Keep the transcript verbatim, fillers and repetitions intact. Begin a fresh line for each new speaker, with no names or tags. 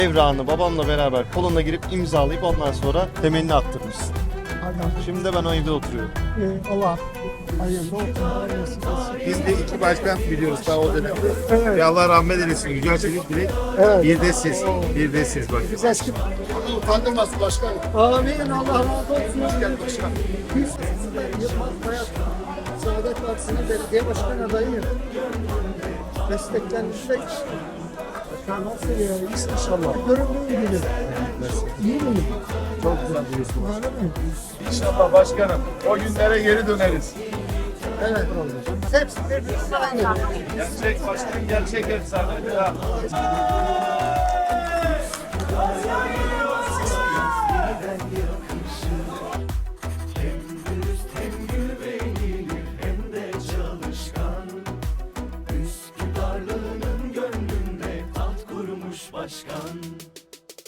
Evrağını babamla beraber koluna girip imzalayıp ondan sonra temelini attırmışsın.
Aynen.
Şimdi de ben o evde oturuyorum.
Ee, Allah hayırlı olsun. Hayırlısı olsun.
Biz de iki başkan biliyoruz daha o dönemde.
Evet.
Ve Allah rahmet eylesin. Yücel Çelik bile
Evet.
bir de siz. Bir de siz bak.
Biz eski...
Allah utandırmasın başkanım.
Amin. Allah razı olsun.
Gel başkanım.
Biz aslında Yılmaz Bayat Saadet Partisi'nin belediye başkan adayıyım. Desteklenmişsek nasıl ya? İnşallah. Görünmeyi bilir. İyi miyim?
Çok güzel biliyorsun.
Öyle mi?
İnşallah başkanım. O günlere geri döneriz.
Evet. Hepsi birbirine aynı.
Gerçek başkanım gerçek efsane. Ya.